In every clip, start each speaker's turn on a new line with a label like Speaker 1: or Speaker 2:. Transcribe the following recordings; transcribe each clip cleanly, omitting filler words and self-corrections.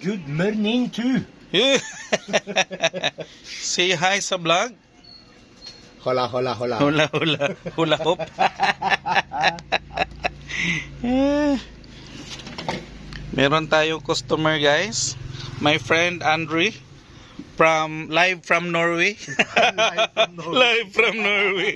Speaker 1: Good morning too.
Speaker 2: Say hi sa vlog.
Speaker 1: Hola, hola, hola.
Speaker 2: Hula hula. Hula hop. Meron tayong customer guys. My friend Andre live from Norway. Live from Norway.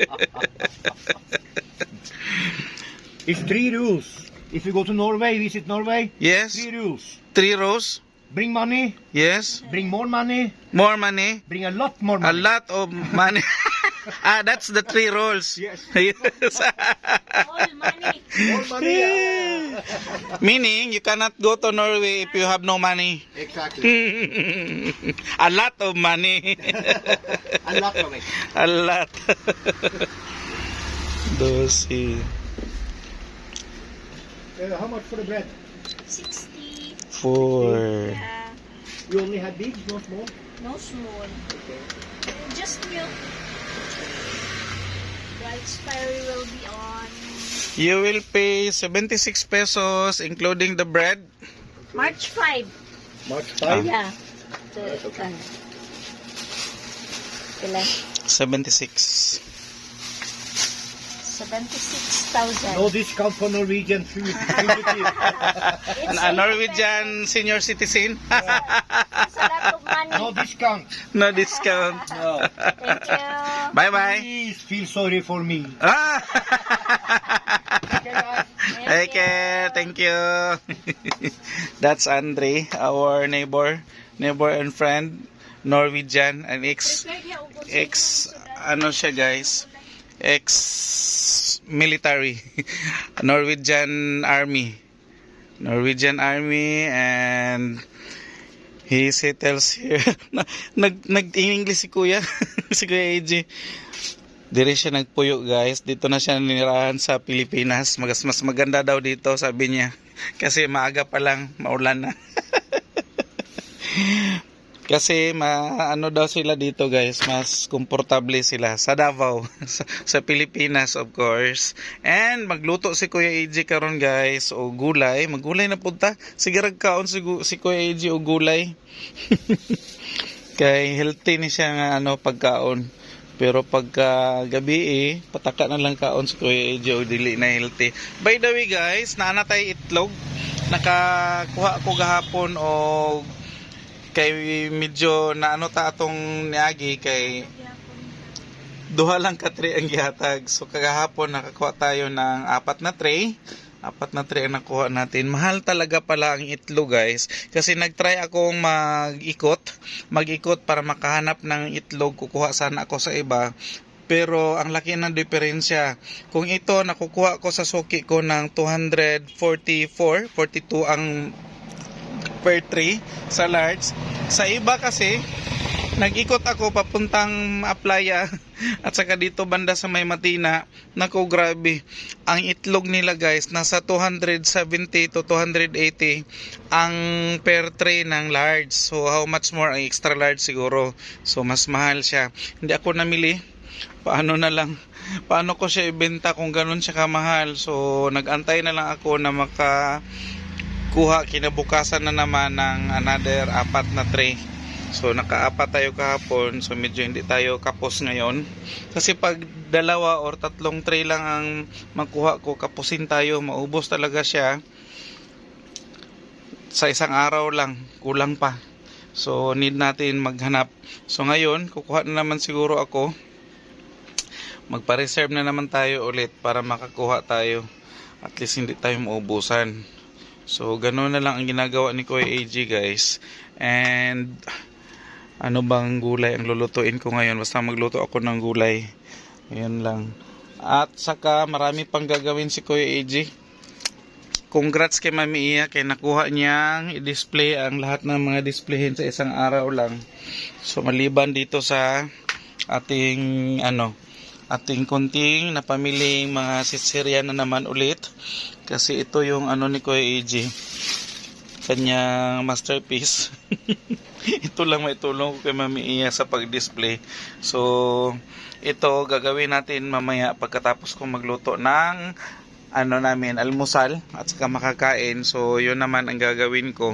Speaker 1: It's 3 rules. If you go to Norway, visit Norway.
Speaker 2: Yes.
Speaker 1: 3 rules.
Speaker 2: 3 rows.
Speaker 1: Bring money.
Speaker 2: Yes.
Speaker 1: Bring more money.
Speaker 2: More money.
Speaker 1: Bring a lot more
Speaker 2: A
Speaker 1: money.
Speaker 2: lot of money. That's the 3 rolls.
Speaker 1: Yes.
Speaker 2: Yes.
Speaker 3: All money.
Speaker 1: More money.
Speaker 2: Meaning, you cannot go to Norway if you have no money.
Speaker 1: Exactly.
Speaker 2: A lot of money.
Speaker 1: A lot of it.
Speaker 2: A lot. 12.
Speaker 1: How much for the bread?
Speaker 3: 60.
Speaker 2: 4.
Speaker 3: Yeah.
Speaker 1: You only had big, no small?
Speaker 3: No small.
Speaker 1: Okay.
Speaker 3: Just milk. The expiry will be on
Speaker 2: You will pay 76 pesos including the bread.
Speaker 3: March 5.
Speaker 1: March 5?
Speaker 3: Yeah.
Speaker 1: Okay.
Speaker 3: Ilan?
Speaker 2: 76.
Speaker 3: 76,000.
Speaker 1: No discount for Norwegian food.
Speaker 2: A Norwegian senior citizen.
Speaker 3: It's a lot of money.
Speaker 1: No discount.
Speaker 2: No discount.
Speaker 1: No.
Speaker 3: Thank you.
Speaker 2: Bye-bye.
Speaker 1: Please feel sorry for me.
Speaker 2: Ah!
Speaker 3: Thank
Speaker 2: Okay, thank you. That's Andre, our neighbor and friend, Norwegian, and ano siya guys, ex-military, Norwegian Army, and he settles here. Nag-English si Kuya, si Kuya AJ. Dire siya nagpuyo guys. Dito na siya ninirahan sa Pilipinas. Mas maganda daw dito sabi niya. Kasi maaga pa lang, maulan na. Kasi ano daw sila dito guys, mas komportable sila sa Davao, sa Pilipinas of course. And magluto si Kuya AJ karon guys o gulay, maggulay na punta. Sige ragkaon si Kuya AJ o gulay. Kay healthy ni siya nga pagkaon. Pero pagka gabi pataka na lang kaon si Kuya AJ o dili na healthy. By the way guys, naana tay itlog. Nakakuha ko gahapon o kay medyo naano ta atong niagi kay duha lang ka tray ang gihatag. So kagahapon nakakuha tayo ng 4 na tray. 4 na tray ang nakuha natin. Mahal talaga pala ang itlog guys. Kasi nagtry akong mag-ikot para makahanap ng itlog. Kukuha sana ako sa iba. Pero ang laki ng diferensya. Kung ito nakukuha ko sa suki ko ng 244, 42 ang per tray sa large. Sa iba kasi nag-ikot ako papuntang Aplaya at saka dito banda sa May Matina. Nako grabe. Ang itlog nila guys nasa 270 to 280 ang per tray ng large. So how much more ang extra large siguro. So mas mahal siya. Hindi ako namili. Paano ko siya ibenta kung ganun siya kamahal. So nag-antay na lang ako na makakuha kinabukasan na naman ng another 4 na tray. So naka-4 tayo kahapon. So medyo hindi tayo kapos ngayon. Kasi pag 2 or 3 tray lang ang makuha ko, kapusin tayo. Maubos talaga siya. Sa isang araw lang. Kulang pa. So need natin maghanap. So ngayon, kukuha na naman siguro ako. Magpa-reserve na naman tayo ulit para makakuha tayo. At least hindi tayo maubusan. So ganoon na lang ang ginagawa ni Kuya AJ guys. And ano bang gulay ang lulutuin ko ngayon? Basta magluto ako ng gulay. Ayan lang. At saka marami pang gagawin si Kuya AJ. Congrats kay Mami Iya kay nakuha niyang i-display ang lahat ng mga displayhin sa isang araw lang. So maliban dito sa ating ating konting napamiling mga sitsirya na naman ulit. Kasi ito yung ni Kuya AJ. Kanyang masterpiece. Ito lang may tulong ko kay Mami Iya sa pag-display. So, ito gagawin natin mamaya pagkatapos kong magluto ng namin almusal at saka makakain. So yun naman ang gagawin ko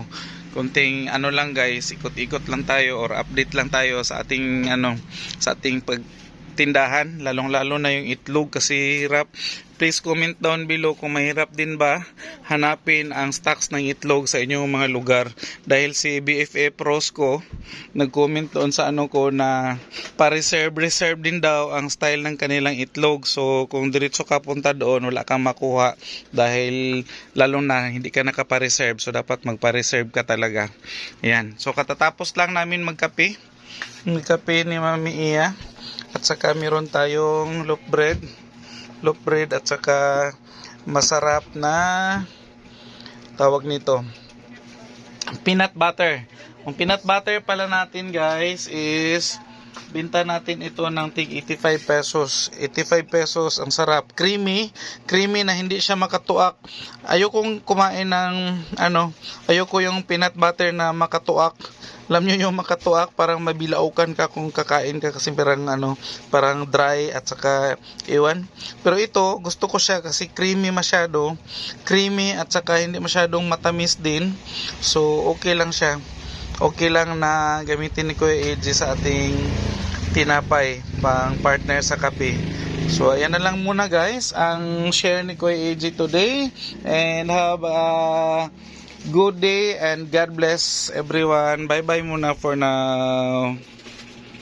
Speaker 2: konting ano lang guys, ikot-ikot lang tayo or update lang tayo sa ating sa ating pagtindahan, lalong-lalo na yung itlog kasi hirap. Please comment down below kung mahirap din ba hanapin ang stocks ng itlog sa inyong mga lugar. Dahil si BFF Rosco nag-comment doon sa ko na pa-reserve din daw ang style ng kanilang itlog. So kung diretso ka punta doon, wala kang makuha dahil lalo na hindi ka nakapa-reserve. So dapat magpa-reserve ka talaga. Yan. So katatapos lang namin magkape ni Mami Iya. At saka meron tayong loaf bread at saka masarap na tawag nito peanut butter. Ang peanut butter pala natin guys is binta natin ito ng tig 85 pesos. 85 pesos, ang sarap. Creamy na hindi siya makatuak. Ayokong kumain ng ayoko yung peanut butter na makatuak. Alam nyo yung makatuak, parang mabilaukan ka kung kakain ka kasi parang dry at saka iwan. Pero ito, gusto ko siya kasi creamy masyado. Creamy at saka hindi masyadong matamis din. So, okay lang siya. Okay lang na gamitin ni Kuya AJ sa ating tinapay, pang partner sa kape. So, ayan na lang muna guys, ang share ni Kuya AJ today. And have a good day and God bless everyone. Bye bye muna for now.